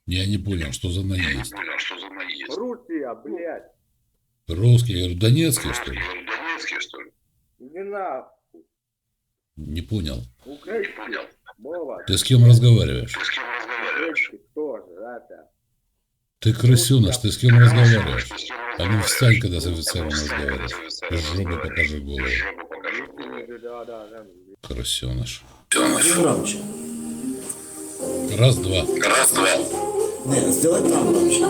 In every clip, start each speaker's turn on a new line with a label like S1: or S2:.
S1: Я не понял, что за
S2: Я не
S1: наезд.
S2: понял, что за наезд.
S3: Русия, блядь.
S1: Русский, я говорю, донецкий, что
S2: Русский,
S1: ли?
S2: я говорю, донецкий, что ли?
S3: Иди нахуй.
S1: Не понял.
S2: Не
S3: Украинский.
S2: понял.
S3: Вова.
S1: Ты с кем разговариваешь?
S2: Ты с кем разговариваешь?
S3: Украинский тоже, это.
S1: Ты крысеныш, ты с кем разговариваешь?
S2: Ты с кем
S1: А ну встань, когда с
S2: разговариваешь?
S1: офицером
S2: Встань, когда
S1: разговариваешь.
S2: с офицером
S1: Из жопы
S2: разговариваешь.
S1: покажи
S2: Из
S1: голову.
S2: жопы покажи голову.
S3: Да.
S1: Крысеныш.
S4: Громче.
S1: Раз, два.
S2: Раз, два.
S4: Нет, сделай там громче.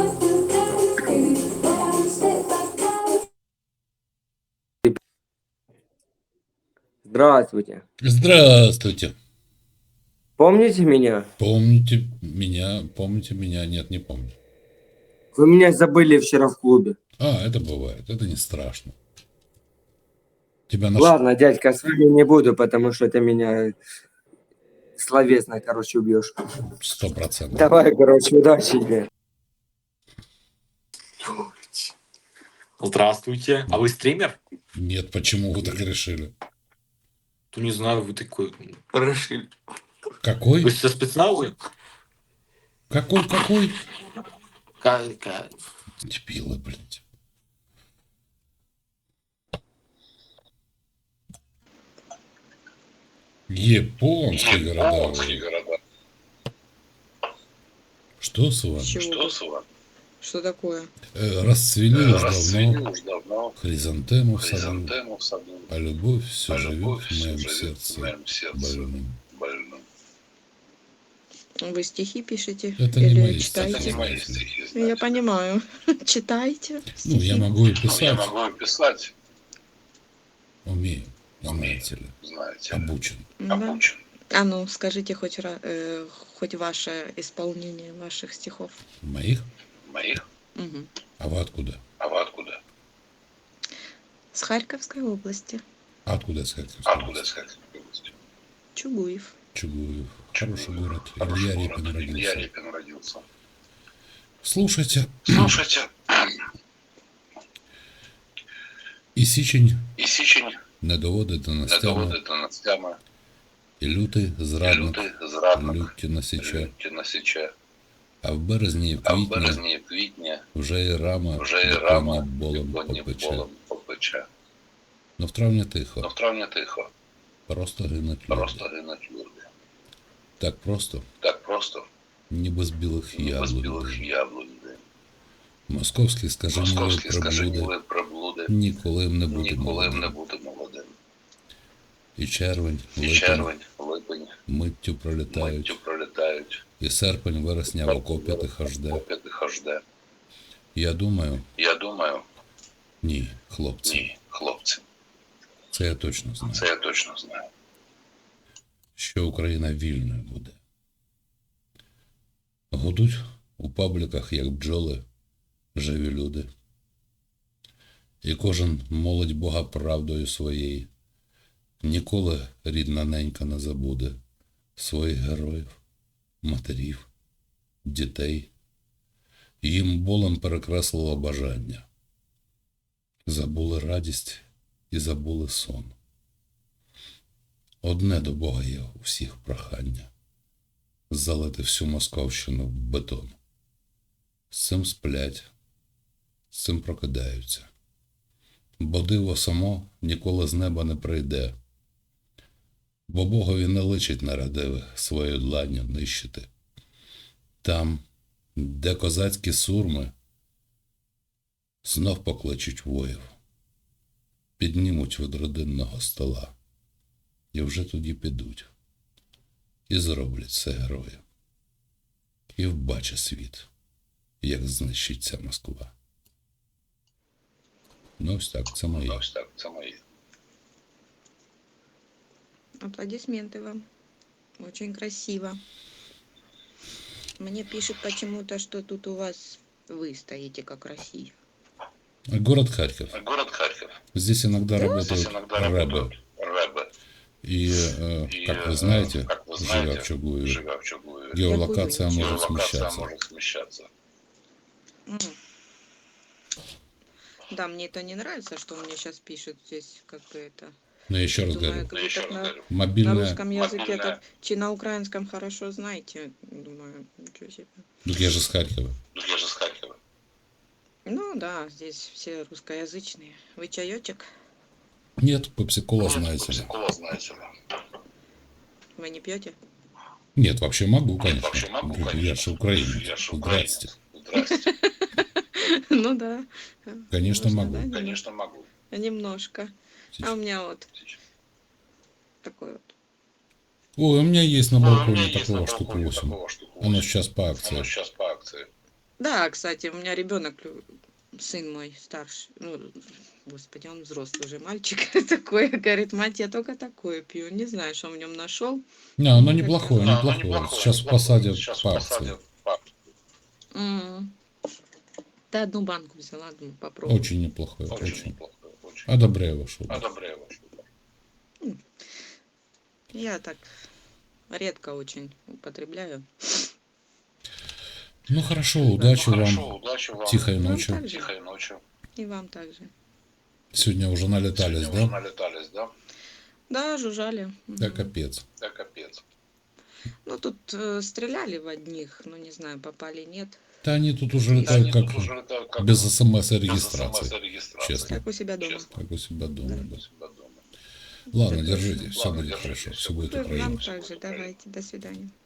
S3: Здравствуйте.
S1: Здравствуйте.
S3: Помните меня?
S1: Помните меня? Нет, не помню.
S3: Вы меня забыли вчера в клубе.
S1: А, это бывает, это не страшно. Тебя нашли?
S3: Ладно, дядька, с вами не буду, потому что ты меня словесно, короче, убьешь.
S1: 100%.
S3: Давай, короче, удачи тебе.
S5: Здравствуйте. А вы стример?
S1: Нет, почему вы так решили?
S5: Ну, не знаю, вы такой решили.
S1: Какой?
S5: Вы со спецназа?
S1: Какой?
S5: Ка-
S1: Дебилы, блядь. Японские
S2: Японские
S1: города.
S2: города.
S1: Что с вами?
S6: Чего?
S2: Что с вами?
S6: Что такое?
S1: Расцвели уж
S2: Расцвели
S1: давно
S2: уж давно.
S1: хризантему в саду,
S2: Хризантему в саду.
S1: а любовь все
S2: А
S1: живет
S2: любовь
S1: в
S2: все
S1: моем
S2: живет в
S1: сердце
S2: моем сердце
S1: больным.
S2: больным.
S6: Вы стихи пишете?
S1: Это не
S6: или
S1: мои
S6: читаете?
S2: Это не
S1: стихи.
S2: мои
S1: знаете ли.
S2: стихи,
S6: Я
S2: знаете.
S6: понимаю. Читаете
S1: Ну, я
S6: стихи?
S1: могу и
S2: Ну, я
S1: писать,
S2: могу и писать,
S1: умею,
S2: умею,
S1: знаете ли,
S2: знаете.
S1: обучен.
S6: Да.
S2: Обучен.
S6: А ну, скажите хоть ваше исполнение ваших стихов.
S1: Моих?
S2: Моих?
S6: Мгм.
S1: А вы откуда?
S2: А вы откуда?
S6: С Харьковской области.
S1: А откуда сказать?
S2: Откуда искать?
S6: Чугуев.
S1: Чугуев. Хороший город.
S2: Хороший
S1: Илья
S2: город.
S1: Репин
S2: Илья
S1: родился.
S2: Репин родился.
S1: Слушайте,
S2: Слушайте,
S1: і січень
S2: і січень
S1: не доводить до
S2: не
S1: настями,
S2: доводить до настями,
S1: і лютий
S2: і
S1: зрадник
S2: лютий зрадник
S1: люттю насіче,
S2: люттю насіче,
S1: а в березні і в
S2: а в
S1: квітні
S2: березні і квітні
S1: вже і рама
S2: вже і
S1: бетонні
S2: рама
S1: болем
S2: бетонні
S1: попече.
S2: болем попече.
S1: Но в травні
S2: Но
S1: тихо,
S2: в травні тихо,
S1: просто гинуть
S2: просто
S1: люди.
S2: гинуть люди.
S1: Так просто,
S2: Так просто,
S1: ніби з білих
S2: ніби з
S1: яблук.
S2: білих яблунь.
S1: Московські скаженіли
S2: Московські
S1: приблуди
S2: скаженіли приблуди,
S1: ніколи не бути
S2: ніколи не
S1: молодим.
S2: бути молодим.
S1: І червень,
S2: І
S1: липень
S2: червень, липень,
S1: миттю пролітають,
S2: миттю пролітають,
S1: і серпень, вересня в окопі тихо жде.
S2: поп'яти хожде.
S1: Я думаю,
S2: Я думаю,
S1: ні, хлопці,
S2: ні, хлопці,
S1: це я точно знаю,
S2: це я точно знаю.
S1: що Україна вільною буде. Гудуть у пабліках, як бджоли, живі люди. І кожен молить Бога правдою своєю. Ніколи рідна ненька не забуде своїх героїв, матерів, дітей. Їм болем перекреслило бажання. Забули радість і забули сон. Одне до Бога є у всіх прохання – залити всю Московщину в бетон. З цим сплять, з цим прокидаються. Бо диво само ніколи з неба не прийде, бо Богові не личить нерадивих свою дланню нищити. Там, де козацькі сурми, знов покличуть воїв, піднімуть від родинного стола, і вже тоді підуть, і зроблять це герої, і вбачить світ, як знищиться Москва. Ну ось так, це моє.
S2: Ось так, це моє.
S6: Аплодисменты вам. Очень красиво. Мне пишет почему-то, что тут у вас вы стоите как Россия.
S1: Город Харьков.
S2: Город Харьков.
S1: Здесь иногда
S2: Здесь
S1: работают
S2: иногда
S1: рэбы.
S2: работают рэбы.
S1: И, как вы знаете,
S2: как вы
S1: живя
S2: знаете,
S1: в Чугуеве,
S2: живя в Чугуеве,
S1: геолокация может
S2: геолокация
S1: смещаться.
S2: может смещаться.
S6: М. Да, мне это не нравится, что мне сейчас пишут здесь, как бы это
S1: Но я еще раз
S6: Думаю,
S1: говорю,
S6: как
S2: Ну,
S6: вы
S2: еще
S6: так
S2: раз говорю.
S6: на
S1: мобильная...
S6: русском языке,
S2: Мобильная.
S6: так, чи на украинском хорошо знаете. Думаю, ничего себе.
S1: Так я же с Харькова.
S2: Ну, я же с Харькова.
S6: Ну да, здесь все русскоязычные. Вы чаечек?
S1: Нет, пепси-кола, знаете ли.
S2: Пепси-кола, знаете ли.
S6: Вы не пьете?
S1: Нет, вообще могу, конечно.
S2: Вообще могу,
S1: Я
S2: конечно.
S1: же украинец.
S2: Я же
S1: Здрасте.
S2: украинец. Здрасте.
S6: Ну да.
S1: Конечно,
S6: Можно,
S1: могу.
S6: да,
S2: Конечно, могу.
S6: немножко. А у меня вот такой вот.
S1: Ой, у меня есть на
S2: У меня
S1: балконе
S2: есть на
S1: такого штук
S2: балконе
S1: 8.
S2: такого штук
S1: Оно
S2: 8.
S1: сейчас по акции.
S2: Оно сейчас по акции.
S6: Да, кстати, у меня ребенок, сын мой старший, ну, господи, он взрослый уже мальчик такой, говорит, мать, я только такое пью, не знаю, что в нем нашел.
S1: Не, оно неплохое,
S2: Да, оно
S1: неплохое.
S2: неплохое,
S1: Сейчас
S2: неплохое.
S1: посадят
S2: Сейчас
S1: по акции.
S2: посадят по
S6: Да, одну банку взяла, думаю, попробую.
S1: Очень неплохое,
S2: Очень
S1: очень.
S2: неплохое. Очень.
S1: Одобряю вашу.
S2: Одобряю вашу.
S6: Я так редко очень употребляю.
S1: Ну хорошо, удачи
S2: Хорошо,
S1: вам.
S2: удачи вам.
S1: Тихой
S6: Вам
S1: ночи.
S6: также.
S2: Тихой ночи.
S6: И вам также.
S1: Сегодня уже налетались,
S2: Сегодня уже
S1: да?
S2: налетались, да?
S6: Да, жужжали.
S1: Да капец.
S2: Да, капец.
S6: Ну, тут стреляли в одних, ну, не знаю, попали, нет.
S1: Да они тут уже
S2: Да,
S1: летают
S2: они
S1: как
S2: тут уже летают как
S1: без
S2: без
S1: СМС-регистрации.
S2: СМС-регистрации.
S1: Честно.
S6: Как у себя дома.
S2: Честно.
S1: Как у себя дома, да.
S2: У себя дома.
S1: Ладно,
S6: Так
S1: держите,
S6: точно.
S1: все
S2: Ладно,
S1: будет
S2: держите,
S1: хорошо,
S2: всё
S1: все будет
S2: будет
S6: Вам
S1: Украина.
S6: также, давайте, до свидания.